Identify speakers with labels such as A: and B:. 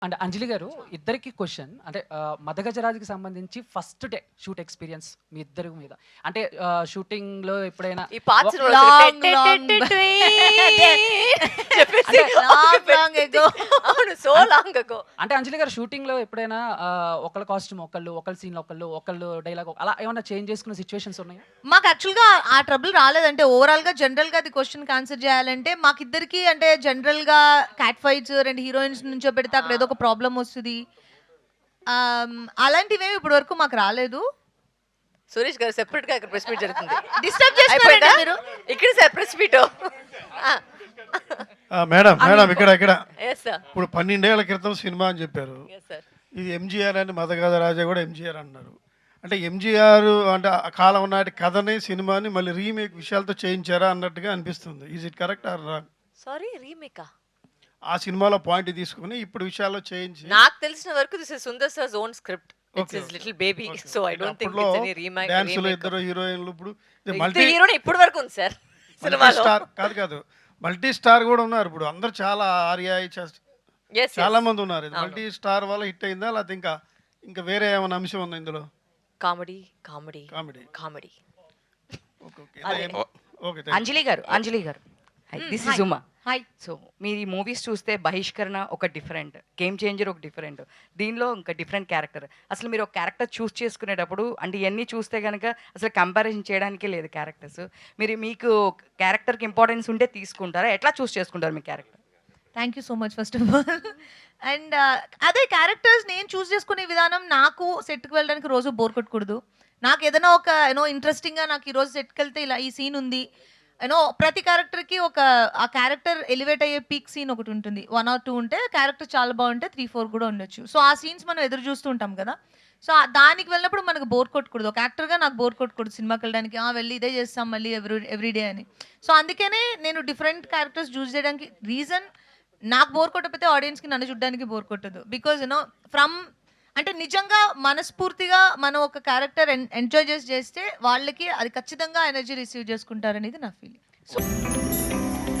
A: And అంజలి గారు ఇద్దరికి question అంటే మదగజరాజుకి సంబంధించి ఫస్ట్ డే షూట్ ఎక్స్పీరియన్స్ మీ ఇద్దరి మీద అంటే షూటింగ్ లో ఎప్పుడైనా
B: ఈ పార్ట్స్ అవును సో లాంగ్ అగో.
A: అంటే అంజలి గారు షూటింగ్ లో ఎప్పుడైనా ఒకళ్ళ కాస్ట్యూమ్ ఒకళ్ళ సీన్ ఒకళ్ళు డైలాగ్ అలా ఏమైనా చేంజ్ చేసుకున్న సిచ్యువేషన్స్ ఉన్నాయా?
C: మాకు యాక్చువల్గా ఆ ట్రబుల్ రాలేదంటే ఓవరాల్గా జనరల్గా అది క్వశ్చన్కి ఆన్సర్ చేయాలంటే మాకిద్దరికి అంటే జనరల్గా క్యాట్ ఫైట్స్ రెండు హీరోయిన్స్ నుంచో పెడితే అక్కడ ఏదో ఒక ప్రాబ్లం వస్తుంది. అలాంటివేమి ఇప్పటి వరకు మాకు రాలేదు.
B: సురేష్ గారు సెపరేట్ గా ఇక్కడ ప్రెస్ మీట్ జరుగుతుంది.
C: డిస్టర్బ్ చేస్తున్నారండి మీరు.
B: ఇక్కడ సార్ ప్రెస్ మీట్.
D: మేడం ఇక్కడ
B: ఎస్ సార్.
D: ఇప్పుడు 12 ఏళ్ల క్రితం సినిమా అని చెప్పారు.
B: Yes sir.
D: ఇది ఎంజీఆర్ అని మదగజ రాజా కూడా ఎంజీఆర్ అన్నారు. అంటే ఎంజీఆర్ అంటే ఆ కాలం నాటి కథని సినిమాని మళ్ళీ రీమేక్ విషయాలతో చేయించారా అన్నట్టుగా అనిపిస్తుంది. Is it correct or wrong?
B: Sorry రీమేకా?
D: ఆ సినిమాలో పాయింట్ తీసుకుని ఇప్పుడు విషయాల్లో చేంజ్.
B: నాకు తెలిసిన వరకు this is Sundar sir's own script. It's his little baby. So I don't think it's any remake.
D: Dance లో ఇద్దరు హీరోయిన్లు ఇప్పుడు
B: మల్టీ హీరోనే ఇప్పుడు వరకు ఉంది సార్ సినిమాలో.
D: స్టార్ కాదు మల్టీ స్టార్ కూడా ఉన్నారు ఇప్పుడు. అందరు చాలా ఆర్యా చాలా మంది ఉన్నారు. ఇది మల్టీ స్టార్ వల్ల హిట్ అయిందా లేకపోతే ఇంకా వేరే ఏమైనా అంశం ఉందా ఇందులో?
B: Comedy comedy
D: comedy
B: comedy.
D: Okay.
E: Anjali గారు this is Uma.
C: Hi.
E: So మీరు ఈ మూవీస్ చూస్తే బహిష్కరణ ఒక డిఫరెంట్, గేమ్ చేంజర్ ఒక డిఫరెంట్, దీనిలో ఇంకా డిఫరెంట్ క్యారెక్టర్. అసలు మీరు ఒక క్యారెక్టర్ చూస్ చేసుకునేటప్పుడు అంటే ఇవన్నీ చూస్తే కనుక అసలు కంపారిజన్ చేయడానికే లేదు క్యారెక్టర్స్. మీకు క్యారెక్టర్కి ఇంపార్టెన్స్ ఉంటే తీసుకుంటారా? ఎట్లా చూస్ చేసుకుంటారు మీ character?
C: Thank you so much first of all. And అదే క్యారెక్టర్స్ నేను చూస్ చేసుకునే విధానం, నాకు సెట్కి వెళ్ళడానికి రోజు బోర్ కొట్టకూడదు. నాకు ఏదైనా ఒక ఇంట్రెస్టింగ్గా నాకు ఈరోజు సెట్కి వెళ్తే ఇలా ఈ సీన్ ఉంది ప్రతి క్యారెక్టర్కి ఒక ఆ క్యారెక్టర్ ఎలివేట్ అయ్యే పీక్ సీన్ ఒకటి ఉంటుంది. 1 or 2 ఉంటే క్యారెక్టర్ చాలా బాగుంటే 3, 4 కూడా ఉండొచ్చు. సో ఆ సీన్స్ మనం ఎదురు చూస్తూ ఉంటాం కదా. సో దానికి వెళ్ళినప్పుడు మనకు బోర్ కొట్టకూడదు. ఒక యాక్టర్గా నాకు బోర్ కొట్టకూడదు సినిమాకి వెళ్ళడానికి. వెళ్ళి ఇదే చేస్తాం మళ్ళీ ఎవ్రీడే అని. సో అందుకనే నేను డిఫరెంట్ క్యారెక్టర్స్ చూస్ చేయడానికి రీజన్, నాకు బోర్ కొట్టకపోతే ఆడియన్స్కి నన్ను చూడడానికి బోర్ కొట్టదు. బికాజ్ ఫ్రమ్ అంటే నిజంగా మనస్ఫూర్తిగా మనం ఒక క్యారెక్టర్ ఎంజాయ్ చేస్తే వాళ్ళకి అది ఖచ్చితంగా ఎనర్జీ రిసీవ్ చేసుకుంటారనేది నా ఫీలింగ్. సో